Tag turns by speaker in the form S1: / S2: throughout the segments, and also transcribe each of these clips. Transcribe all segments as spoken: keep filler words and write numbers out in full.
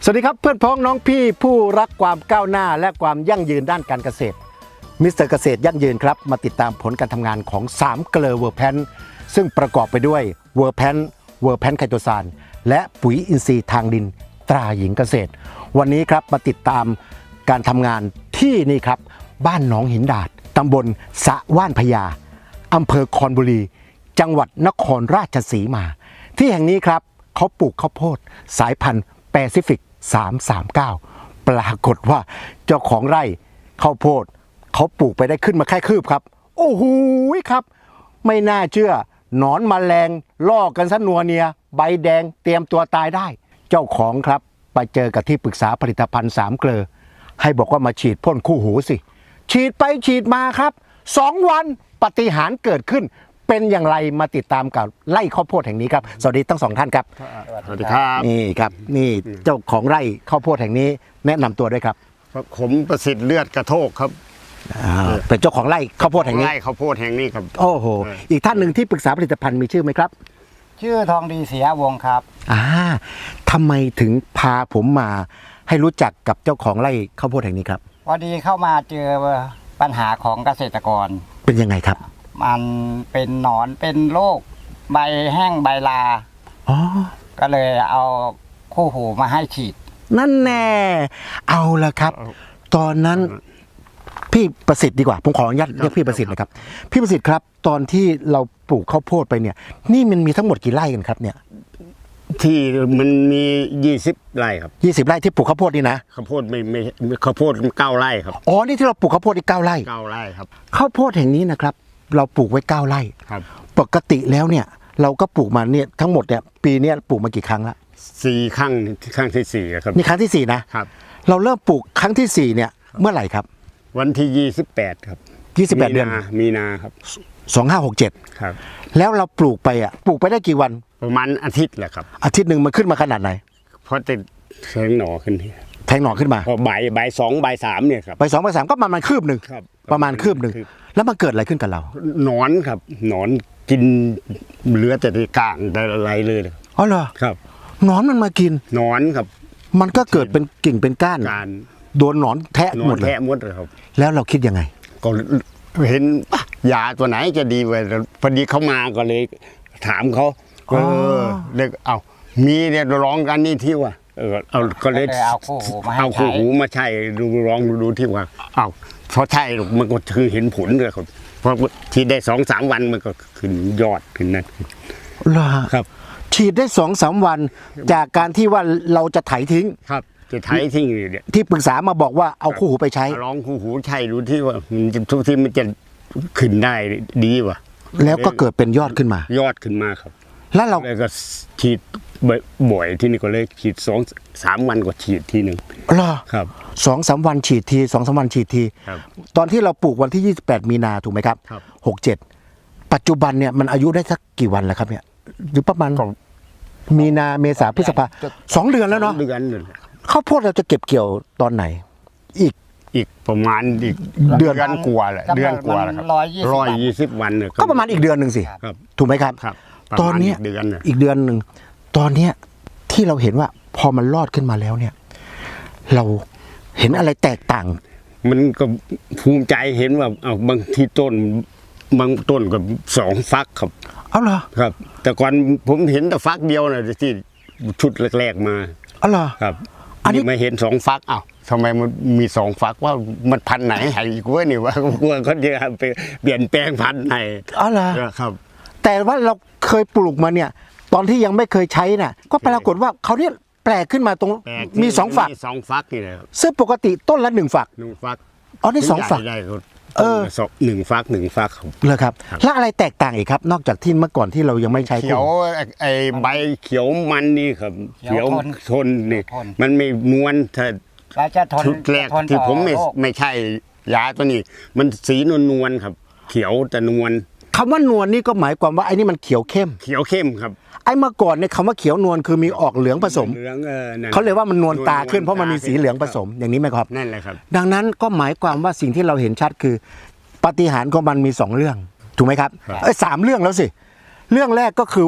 S1: วัสดีครับเพื่อนพ้องน้องพี่ผู้รักความก้าวหน้าและความยั่งยืนด้านการเกษตรมิสเตอร์เกษตรยั่งยืนครับมาติดตามผลการทำงานของสามเกลอเวอร์แพนซึ่งประกอบไปด้วยเวอร์แพนเวอร์แพนไคโตซานและปุ๋ยอินทรีย์ทางดินตราหญิงเกษตรวันนี้ครับมาติดตามการทำงานที่นี่ครับบ้านหนองหินดาดตำบลสะว่านพญาอำเภอคอนบุรีจังหวัดนครราชสีมาที่แห่งนี้ครับเขาปลูกข้าวโพดสายพันธุ์แปซิฟิกสามสามเก้าปรากฏว่าเจ้าของไร่ข้าวโพดเขาปลูกไปได้ขึ้นมาแค่คืบครับโอ้โหครับไม่น่าเชื่อหนอนแมลงล่อกันซะนัวเนียใบแดงเตรียมตัวตายได้เจ้าของครับไปเจอกับที่ปรึกษาผลิตภัณฑ์สามเกลอให้บอกว่ามาฉีดพ่นคู่หูสิฉีดไปฉีดมาครับสองวันปาฏิหาริย์เกิดขึ้นเป็นอย่างไรมาติดตามกับไร่ข้าวโพดแห่งนี้ครับสวัสดีทั้งสองท่านครับ
S2: สวัสดีครับ
S1: นี่ครับนี่เจ้าของไร่ข้าวโพดแห่งนี้แนะนำตัวด้วยครับ
S2: ผมประสิทธิ์เลือดกระโทกครับ
S1: เป็นเจ้าของไร่ข้าวโพดแห่งนี้
S2: ไร่ข้าวโพดแห่งนี้ครับ
S1: โอ้โหอีกท่านหนึ่งที่ปรึกษาผลิตภัณฑ์มีชื่อไหมครับ
S3: ชื่อทองดีเสียวงครับ
S1: อ่าทำไมถึงพาผมมาให้รู้จักกับเจ้าของไร่ข้าวโพดแห่งนี้ครับ
S3: พอดีเข้ามาเจอปัญหาของเกษตรกร
S1: เป็นยังไงครับ
S3: มันเป็นหนอนเป็นโรคใบแห้งใบลาอ๋อก็เลยเอาคู่หูมาให้ฉีด
S1: นั่นแน่เอาละครับตอนนั้นพี่ประสิทธิ์ดีกว่าผมขออนุญาตเรียกพี่ประสิทธิ์นะครับพี่ประสิทธิ์ครับตอนที่เราปลูกข้าวโพดไปเนี่ยนี่มันมีทั้งหมดกี่ไร่กันครับเนี่ย
S2: ที่มันมียี่สิบไร่ครับ
S1: ยี่สิบไร่ที่ปลูกข้าวโพดนี่นะ
S2: ข้าวโพดไม่ไม่ข้าวโพดเก้าไร่ครับ
S1: อ๋อนี่ที่เราปลูกข้าวโพดอีกเก้าไร่
S2: เก้าไร่ครับ
S1: ข้าวโพดแห่งนี้นะครับเราปลูกไว้เก้าไร่
S2: ครับ
S1: ปกติแล้วเนี่ยเราก็ปลูกมาเนี่ยทั้งหมดเนี่ยปีนี้ปลูกมากี่ครั้งละ
S2: สี่ครั้งครั้งที่สี่ครับ
S1: นี่ครั้งที่สี่นะครับเราเริ่มปลูกครั้งที่สี่เนี่ยเมื่อไหร่ครับ
S2: วันที่ยี่สิบแปดครับ
S1: ยี่สิบแปดเดือน
S2: มีนาครับ
S1: สองห้าหกเจ็ด
S2: ครับ
S1: แล้วเราปลูกไปอ่ะปลูกไปได้กี่วัน
S2: ประมาณอาทิตย์แหละครับ
S1: อาทิตย์หนึ่งมันขึ้นมาขนาดไหน
S2: เพราะติดแทงหน่อขึ้น
S1: แทงหน่อขึ้นมา
S2: พอใบใบสองใบสามเนี่ยครับ
S1: ใบสองใบสามก็ประมาณคืบหนึ่งประมาณคืบหนึ่งแล้วมันเกิดอะไรขึ้นกับเรา
S2: หนอนครับหนอนกินเหลือแต่ที่กลางแต่อะไรเลย
S1: อ๋อเหรอ
S2: ครับ
S1: หนอนมันมากิน
S2: หนอนครับ
S1: มันก็เกิดเป็นกิ่งเป็นก้านโดนหนอนแทะหมดเลย
S2: แทะหมดเลยครับ
S1: แล้วเราคิดยังไง
S2: ก็เห็นยาตัวไหนจะดีไปพอดีเขามาก็เลยถามเขาเออเด็กเอามีเนี่ยร้องกันนี่ที่ว่าเออเอาก็เลย
S3: เอาคู่หูมาให้
S2: เอาคู่หูมาใช่ดูร้องดูที่ว่าเอาเพราะใช่มันก็คือเห็นผลเลยครับเพราะที่ได้สองสามวันมันก็ขึ้นยอดขึ้นนั่น
S1: เหรอ
S2: ครับ
S1: ฉีดได้สองสามวันจากการที่ว่าเราจะไถทิ้ง
S2: ครับจะไถทิ้งเนี่ย
S1: ที่ปรึกษามาบอกว่าเอาคู่หูไปใช้
S2: ร้องคู่หูใช่ดูที่ว่ามันทุกที่มันจะขึ้นได้ดีว่ะ
S1: แล้วก็เกิดเป็นยอดขึ้นมาย
S2: อดขึ้นมาครับ
S1: แล้วเรา
S2: ก็ฉีดบ่อยที่นี่ก็เลยฉีดสองสามวันก็ฉีดทีหนึ่ง
S1: เหรอ
S2: ครับ
S1: สองสามวันฉีดทีสองสามวันฉีดทีตอนที่เราปลูกวันที่ยี่สิบแปดมีนาถูกไหมครับหกเจ็ดปัจจุบันเนี่ยมันอายุได้สักกี่วันแล้วครับเนี่ยหรือประมาณมีนาเมษาพฤษภาสองเดือนแล้วเนาะ
S2: เดือนนึง
S1: ข้าวโพดเราจะเก็บเกี่ยวตอนไหนอีก
S2: อีกประมาณอีกเดือนกว่าแหละเดือนกว่าครับร้อยยี่สิบวันเนี่ย
S1: ก็ประมาณอีกเดือนหนึ่งสิถูกไหมครับตอนนี้อีกเดือนหนึ่งตอนเนี้ยที่เราเห็นว่าพอมันรอดขึ้นมาแล้วเนี่ยเราเห็นอะไรแตกต่าง
S2: มันก็ภูมิใจเห็นว่าเอาบางที่ต้นบางต้นกับสองฟักครับ
S1: เอาเหรอ
S2: ครับแต่ก่อนผมเห็นแต่ฟักเดียวนะที่ชุดแรกๆมา
S1: เอาเหรอ
S2: ครับอันนี้มาเห็นสองฟักอ้าวทำไมมันมีสองฝักว่ามันพันไหนหายอีกว่านี่ว่ากลัวเขาจะไปเปลี่ยนแปลงพันธุ์ไหน
S1: อ๋อเหรอ
S2: ครับ
S1: แต่ว่าเราเคยปลูกมาเนี่ยตอนที่ยังไม่เคยใช้น่ะก็ปรากฏว่าเขาเนี่ยแปลกขึ้นมาตรงมีสองฝัก
S2: สองฝักนี่แหละ
S1: ซึ่งปกติต้นละหนึ่งฝัก
S2: หนึ่งฝัก
S1: อ๋อนี่สองฝัก
S2: เออหนึ่งฝักหนึ่งฝัก
S1: เลยครับแล้วอะไรแตกต่างอีกครับนอกจากที่เมื่อก่อนที่เรายังไม่ใช้
S2: เขียวไอ้ใบเขียวมันนี่ครับเขียวทนนี่มันไม่นวลถ้าชุดแรกที่ผมไม่ไม่ใช่ยาตัวนี้มันสีนวลนวลครับเขียวแต่นวล
S1: คำว่านวลนี่ก็หมายความว่าไอ้นี่มันเขียวเข้ม
S2: เขียวเข้มครับ
S1: ไอ้เมื่อก่อนเนี่ยคำว่าเขียวนวลคือมีออกเหลืองผสมเขาเลยว่ามันนวลตาขึ้นเพราะมันมีสีเหลืองผสมอย่างนี้ไหมครับ
S2: นั่นแหละครับ
S1: ดังนั้นก็หมายความว่าสิ่งที่เราเห็นชัดคือปาฏิหาริย์ของมันมีสองเรื่องถูกไหมครับเอ้ยสามเรื่องแล้วสิเรื่องแรกก็คือว่า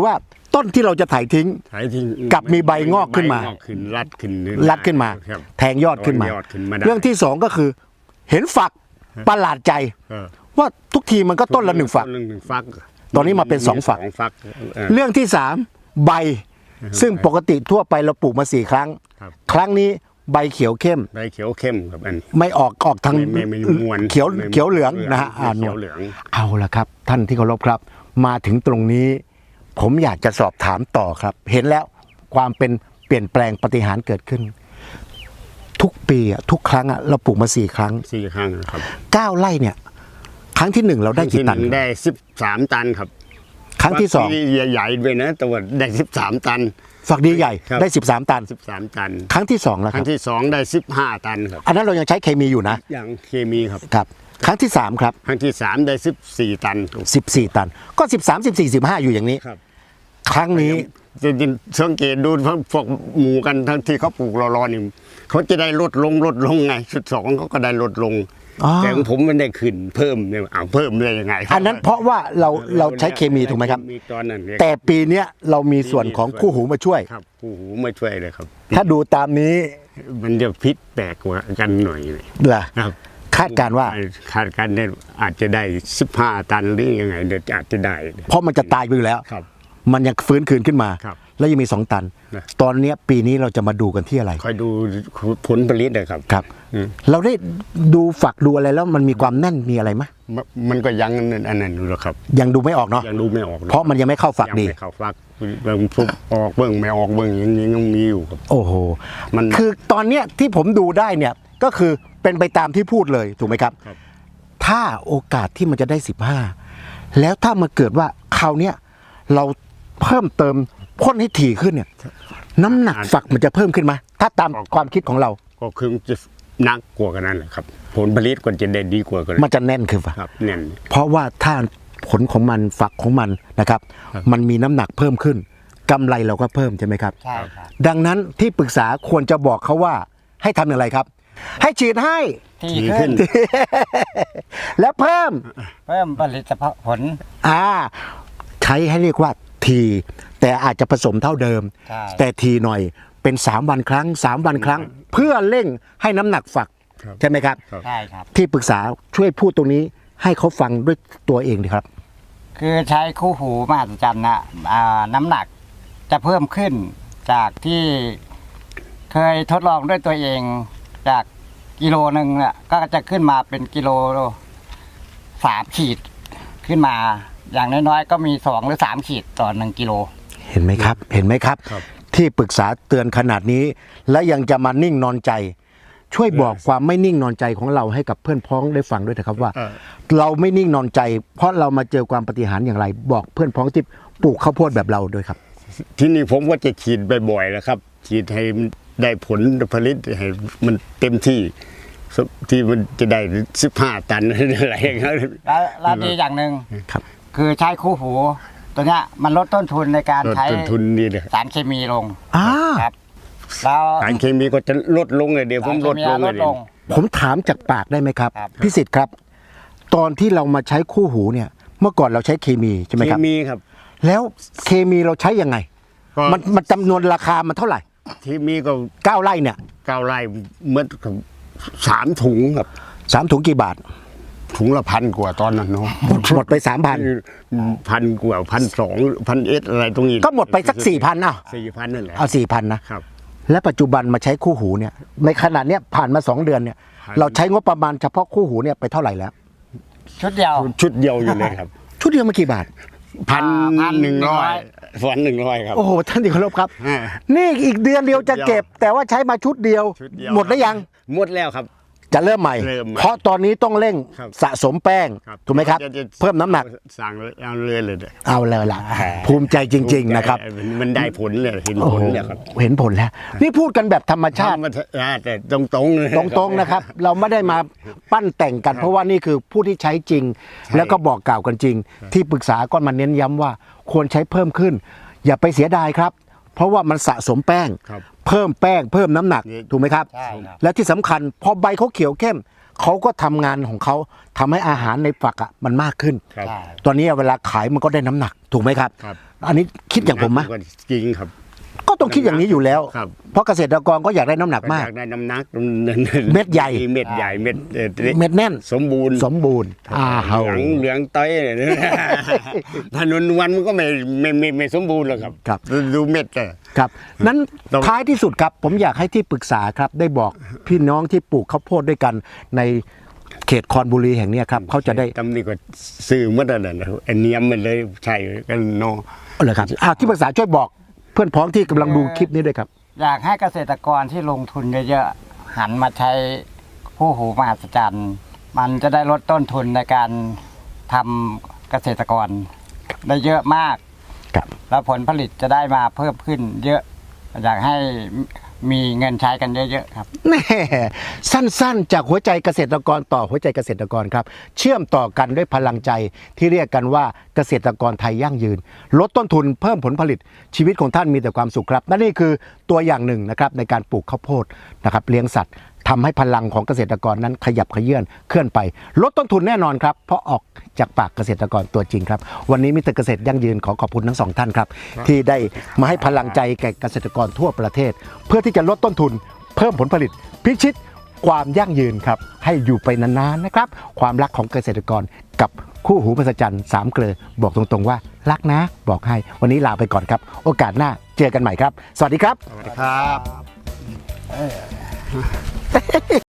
S1: ต้นที่เราจะถ่ายทิ้ง
S2: ถ่ายทิ้ง
S1: กลับมีใบงอกขึ้นมา
S2: ใบงอกขึ้นรัดขึ้น
S1: รัดขึ้นมา
S2: ครับ
S1: แทงยอดขึ้นมา
S2: ยอดขึ้นมาได้
S1: เรื่องที่สองก็คือ เห็นฝักประหลาดใจ
S2: เออ
S1: ว่าทุกทีมันก็ต้นละหนึ่งฝัก
S2: ต้นละหนึ่งฝัก
S1: ตอนนี้มาเป็นสองฝัก
S2: สองฝักเออ
S1: เรื่องที่สามใบ ซึ่งปกติทั่วไปเราปลูกมาสี่ครั้ง
S2: ครับ
S1: ครั้งนี้ใบเขียวเข้ม
S2: ใบเขียวเข้มครับอัน
S1: ไม่ออกออกทาง
S2: ไม่ไม่ไม่นวล
S1: เขียว
S2: ไม่
S1: เขียวเหลืองนะฮะ
S2: ไม่
S1: อ่า
S2: เขี
S1: น
S2: ยว
S1: วล
S2: เหลือง
S1: เอาละครับ ท่านที่เคารพครับ มาถึงตรงนี้ ผมอยากจะสอบถามต่อครับ เห็นแล้วความเป็นเปลี่ยนแปลงปฏิหารย์เกิดขึ้น ทุกปีอะทุกครั้งอะเราปลูกมาสี่ครั้ง
S2: สี่ครั้งนะครับ
S1: เก้าไร่เนี่ย ครั้งที่หนึ่งเราได้กี่
S2: ที่
S1: ตัน
S2: หนึ่งได้สิบสามตันครับ
S1: ครั้งที่สอง
S2: ฝักใหญ่ๆด้วยนะแต่ว่าได้สิบสามตัน
S1: ฝักดีใหญ่
S2: ครับ
S1: ได้สิบสามตัน
S2: สิบสามตัน
S1: ครั้งที่สองแล้ว
S2: ค
S1: ค
S2: รั้
S1: รับ
S2: งที่สองได้สิบห้าตันครับ
S1: อันนั้นเรายังใช้เคมีอยู่นะ
S2: อย่างเคมีครับ
S1: ครับ ครั้งที่สามครับ
S2: ครั้งที่สามได้สิบสี่ตัน
S1: สิบสี่ตัน ก็สิบสาม สิบสี่ สิบห้าอยู่อย่างนี้
S2: ครับ
S1: ครั้งนี้
S2: จริงๆสังเกตดูพวกหมูกันทั้งที่เขาปลูกรอๆนี่เขาจะได้ลดลงลดลงไงชุดสองเขาก็ได้ลดลง
S1: อ๋อ
S2: แต่ของผมมันได้ขึ้นเพิ่มเนี่ยอ้าวเพิ่มได้ยังไง
S1: อันนั้นเพราะว่าเราเราใช้เคมีถูกไหมครับ
S2: มีตอนนั้นเนี่ย
S1: แต่ปีเนี้ยเรามีส่วนของคู่หูมาช่วย
S2: ครับคู่หูมาช่วยเลยครับ
S1: ถ้าดูตามนี้
S2: มันจะพิษแปลกกว่ากันหน่อยเลย
S1: เหรอ
S2: ครับ
S1: คาดการณ์ว่า
S2: คาดการณ์เนี่ยอาจจะได้สิบห้าตันหรือยังไงเดี๋ยวอาจจะได้
S1: เพราะมันจะตายไปอยู่แล้ว
S2: ครับ
S1: มันยังฟื้นคืนขึ้นมา
S2: ครับ
S1: แล้วยังมีสองตัน
S2: นะ
S1: ตอนเนี้ยปีนี้เราจะมาดูกันที่อะไร
S2: คอยดูผลผลิตนะครับ
S1: ครับ
S2: อืม
S1: เราได้ดูฝักดูอะไรแล้วมันมีความแน่นมีอะไรไหม
S2: มันมันก็ยังอันนั้นอยู่หรอกครับ
S1: ยังดูไม่ออกเนาะ
S2: ยังดูไม่ออกหอก
S1: เพราะมันยังไม่เข้าฝัก
S2: ยัง
S1: ดี
S2: ไม่เข้าฟักเบิ่งฟุบออกเบิ่งไม่ออกเบิ่งอย่างนี้ยังมีอยู่ครับ
S1: โอ้โห
S2: มัน
S1: คือตอนเนี้ยที่ผมดูได้เนี่ยก็คือเป็นไปตามที่พูดเลยถูกไหมครับ
S2: ครับ
S1: ถ้าโอกาสที่มันจะได้สิบห้าแล้วถ้ามาเกิดว่าคราวเนี้ยเราเพิ่มเติมพ่นให้ถี่ขึ้นเนี่ย น้ำหนักฝักมันจะเพิ่มขึ้นไหมถ้าตามความคิดของเรา
S2: ก็คือจะหนักกว่ากันนั่นแหละครับ ผลผลิตก็จะได้ดีกว่ากัน
S1: มันจะแน่นขึ้นฝัก
S2: ครับแน่น
S1: เพราะว่าถ้าผลของมันฝักของมันนะครับ
S2: ครับ
S1: มันมีน้ำหนักเพิ่มขึ้นกำไรเราก็เพิ่มใช่ไหมครับ
S3: ใช่ครับ
S1: ดังนั้นที่ปรึกษาควรจะบอกเขาว่าให้ทำอย่างไรครับ ให้ฉีดให้
S3: ที่
S2: ดี
S3: ขึ้
S2: ขึ้
S3: น
S2: น
S1: และเพิ่ม
S3: เพิ่มผลิตผล
S1: อ่าใช้ให้เรียกว่าทีแต่อาจจะผสมเท่าเดิม
S3: ใช่
S1: แต่ทีหน่อยเป็นสามวันครั้งสามวันครั้ง เพื่อเร่งให้น้ำหนักฝัก
S2: ครับ
S1: ใช่ไหมครับ
S2: ครับ
S3: ใช่ครับ
S1: ที่ปรึกษาช่วยพูดตรงนี้ให้เขาฟังด้วยตัวเองดีครับ
S3: คือใช้คู่หูมหัศจรรย์นะอ่าน้ำหนักจะเพิ่มขึ้นจากที่เคยทดลองด้วยตัวเองจากกิโลหนึ่งเนี่ยก็จะขึ้นมาเป็นกิโลสามขีดขึ้นมา อย่างน้อยๆก็มีสองหรือสามขีดต่อหนึ่งกิโล
S1: เห็นไหมครับ เห็นไหมครับ
S2: ครับ
S1: ที่ปรึกษาเตือนขนาดนี้ และยังจะมานิ่งนอนใจ ช่วยบอกความไม่นิ่งนอนใจของเราให้กับเพื่อนพ้องได้ฟังด้วยนะครับว่า
S2: เออ
S1: เราไม่นิ่งนอนใจ เพราะเรามาเจอความปฏิหารย์อย่างไร บอกเพื่อนพ้องที่ปลูกข้าวโพดแบบเราด้วยครับ
S2: ที่นี่ผมก็จะฉีดบ่อยๆแล้วครับ ฉีดให้มันได้ผลผลิตให้มันเต็มที่ที่มันจะได้สิบห้าตันอะไรอย่างเงี้ย
S3: แล้วแล้วดีอย่างหนึ่ง
S1: ครับ
S3: คือใช้คู่หู ตัวเนี้ยมันลดต้นทุนในการ
S2: ลด
S3: ใช้
S2: ต้นทุนนี่เลย
S3: สารเคมีลง
S1: อ่า
S3: ครับ แล้ว
S2: สารเคมีก็จะลดลงเลยเดี๋ยวผมลดลง
S3: ล
S2: เล
S3: ด
S2: ย
S3: ลง
S1: ผมถามจากปากได้ไหมครับ
S3: ครับ
S1: พิสิทธิ์ครับ ตอนที่เรามาใช้คู่หูเนี่ย เมื่อก่อนเราใช้เคมีใช่ไหม
S2: เค
S1: ครับ
S2: มีครับ
S1: แล้วเคมีเราใช้ยังไง
S2: ก็
S1: มันมันจำนวนราคามันเท่าไหร่
S2: เคมีก็
S1: เก้าไร่เนี่ย
S2: เก้าไร่เมื่อสามถุงครับ
S1: สามถุงกี่บาท
S2: ถุงละพันกว่าตอนนั้นเนาะ
S1: หมดไปสามพัน
S2: พันกว่าพันสองพันเอสอะไรตรงนี้
S1: ก็หมดไปสักสี่พันอ่ะ
S2: สี่พันนั่นแหละ
S1: เอาสี่พันนะครับ และปัจจุบันมาใช้คู่หูเนี่ยในขนาดเนี้ยผ่านมาสองเดือนเนี่ย
S2: ผ่าน
S1: เราใช้งบประมาณเฉพาะคู่หูเนี่ยไปเท่าไหร่แล้ว
S3: ชุดเดียว
S2: ชุดเดียวอยู่เลยครับ
S1: ชุดเดียวมากี่บาท
S2: พัน
S3: พัน
S2: หนึ่งร้อย
S3: หนึ่งร้อย
S2: พันหนึ่งร้อยครับ
S1: โอ้โหท่านที่เคารพครับ
S2: อ่า
S1: นี่อีกเดือนเดียวจะเก็บ แต่ว่าใช้มาชุดเดียว
S2: ชุดเดียว
S1: หมดแล้วยัง
S2: หมดแล้วครับ
S1: จะเริ่มใหม่
S2: เริ่มใหม่
S1: เพราะตอนนี้ต้องเร่ง
S2: ครับ
S1: สะสมแป้ง
S2: ครับ
S1: ถูกไหมครับ
S2: จะจะ
S1: เพิ่มน้ำหนัก
S2: สั่งเลยเอาเลยเลยเด้อ
S1: เอาเลยล่ะ ภูมิใจจริง ๆ นะครับ
S2: มันได้ผลเลยเห็น
S1: โอ้
S2: ผ
S1: โห
S2: ลเลยครับ
S1: เห็นผลแล้ว นี่พูดกันแบบธรรมชาติ
S2: ทำมาแต่ตรงตรงๆเลย
S1: ตรงๆนะครับ เราไม่ได้มาปั้นแต่งกัน เพราะว่านี่คือผู้ที่ใช้จริง แล้วก็บอกกล่าวกันจริง ที่ปรึกษาก็มาเน้นย้ำว่าควรใช้เพิ่มขึ้น อย่าไปเสียดายครับ เพราะว่ามันสะสมแป้ง
S2: ครับ
S1: เพิ่มแป้ง เพิ่มน้ำหนัก
S2: นี่
S1: ถูกไหมครับ
S3: ใช่ครับ
S1: และที่สำคัญพอใบเขาเขียวเข้มเขาก็ทำงานของเขาทำให้อาหารในฝักอ่ะมันมากขึ้น
S2: ครับ
S3: ใช่
S1: ตอนนี้เวลาขายมันก็ได้น้ำหนักถูกไหมครับ
S2: ครับ
S1: อันนี้คิดอย่างผมไหม
S2: จริงครับ
S1: ก็ต้องคิดอย่างนี้อยู่แล้ว
S2: ครับ
S1: เพราะเกษตรกรก็อยากได้น้ำหนักมาก
S2: อยากได้น้ำหนัก
S1: เม็ดใหญ่
S2: เม็ดใหญ่เม็ดเอ่อ
S1: เม็ดแน่น
S2: สมบูรณ์
S1: สมบูรณ์อ่า
S2: เห
S1: เฮา
S2: ลืองเหลืองต้อยเนี่ย ถ้านวลนวลมันก็ไม่ไม่ไม่ไม่สมบูรณ์หรอกครับ
S1: ครับ
S2: ดูเม็ดอะ
S1: ครับนั้น
S2: ต้อง
S1: ท้ายที่สุดครับ ผมอยากให้ที่ปรึกษาครับ ได้บอกพี่น้องที่ปลูกข้าวโพดด้วยกันในเขตคอนบุรีแห่งเนี้ยครับเขาจะได้
S2: ตำหนิก็ซื้อมาแต่นั้นนะไอ้เนียมมันเลยใช่กันเนาะ
S1: เอาเลยครับอ่าที่ปรึกษาช่วยบอกเพื่อนพ้องที่กำลังดูคลิปนี้ด้วยครับ
S3: อยากให้เกษตรกรที่ลงทุนเยอะๆหันมาใช้คู่หูมหัศจรรย์มันจะได้ลดต้นทุนในการทำเกษตรกรได้เยอะมาก
S1: ครับ
S3: แล้วผลผลิตจะได้มาเพิ่มขึ้นเยอะ อยากให้มีเงินใช้กันเยอะๆครับ
S1: แน่สั้นๆ จากหัวใจเกษตรกรต่อหัวใจเกษตรกรครับ เชื่อมต่อกันด้วยพลังใจที่เรียกกันว่าเกษตรกรไทยยั่งยืน ลดต้นทุนเพิ่มผลผลิตชีวิตของท่านมีแต่ความสุขครับและนี่คือตัวอย่างหนึ่งนะครับในการปลูกข้าวโพดนะครับเลี้ยงสัตว์ทำให้พลังของเกษตรกรนั้นขยับเขยื่อนเคลื่อนไป ลดต้นทุนแน่นอนครับเพราะออกจากปากเกษตรกรตัวจริงครับวันนี้มิสเตอร์เกษตรยั่งยืนขอขอบคุณทั้งสองท่านครับที่ได้มาให้พลังใจแก่เกษตรกรทั่วประเทศ เพื่อที่จะลดต้นทุนเพิ่มผลผลิตพิชิตความยั่งยืนครับให้อยู่ไปนานๆนะครับความรักของเกษตรกรกับคู่หูมหัศจรรย์สามเกลอบอกตรงๆว่ารักนะบอกให้วันนี้ลาไปก่อนครับโอกาสหน้าเจอกันใหม่ครับสวัสดีครับ
S2: ครับ